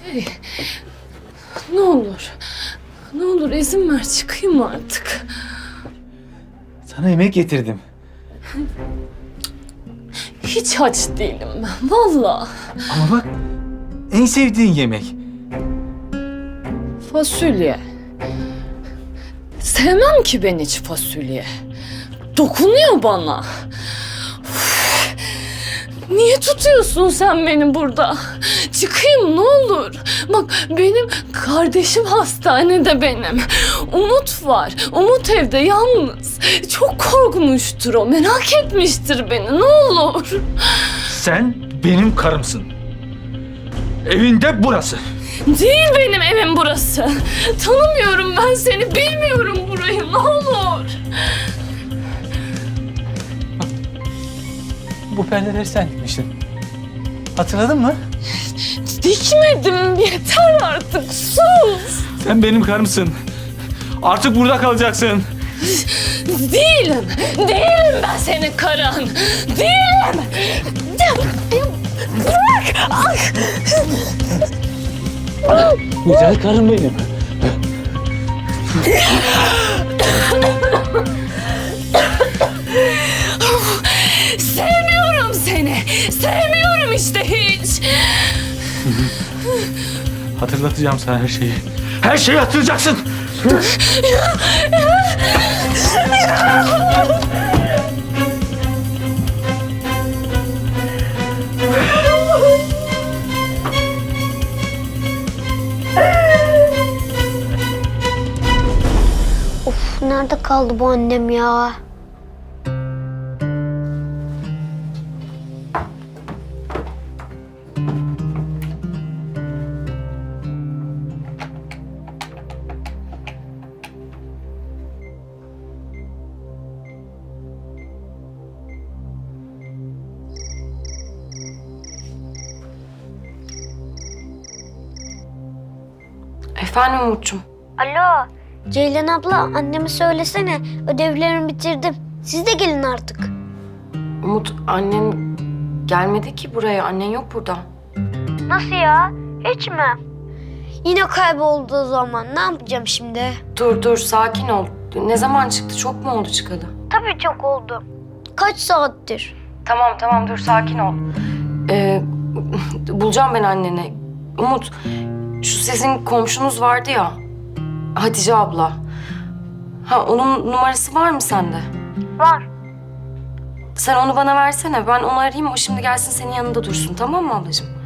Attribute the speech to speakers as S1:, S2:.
S1: Hey, ne olur. Ne olur izin ver çıkayım artık.
S2: Sana yemek getirdim.
S1: Hiç aç değilim ben vallahi.
S2: Ama bak, en sevdiğin yemek.
S1: Fasulye. Sevmem ki ben hiç fasulye. Dokunuyor bana. Üf! Niye tutuyorsun sen beni burada? Çıkayım ne olur. Bak benim kardeşim hastanede benim. Umut var. Umut evde yalnız. Çok korkmuştur o. Merak etmiştir beni ne olur.
S2: Sen benim karımsın. Evinde burası.
S1: Değil benim evim burası. Tanımıyorum ben seni. Bilmiyorum burayı ne olur.
S2: Bu perdeleri sen dikmiştin. Hatırladın mı?
S1: Dikmedim yeter artık sus.
S2: Sen benim karımsın. Artık burada kalacaksın.
S1: Değilim. Değilim ben senin karın. Değilim. Bırak. Ay.
S2: Güzel karım benim.
S1: Sevmiyorum seni. Sevmiyorum işte hiç.
S2: Hatırlatacağım sana her şeyi. Her şeyi hatırlayacaksın.
S3: Of, nerede kaldı bu annem ya?
S4: Efendim Umut'cum.
S3: Alo, Ceylan abla, anneme söylesene. Ödevlerimi bitirdim. Siz de gelin artık.
S4: Umut annen gelmedi ki buraya. Annen yok burada.
S3: Nasıl ya? Hiç mi? Yine kayboldu o zaman. Ne yapacağım şimdi?
S4: Dur sakin ol. Ne zaman çıktı? Çok mu oldu çıkalı?
S3: Tabii çok oldu. Kaç saattir?
S4: Tamam dur sakin ol. Bulacağım ben anneni. Umut şu sizin komşunuz vardı ya. Hatice abla. Ha onun numarası var mı sende?
S3: Var.
S4: Sen onu bana versene. Ben onu arayayım. O şimdi gelsin senin yanında dursun. Tamam mı ablacığım?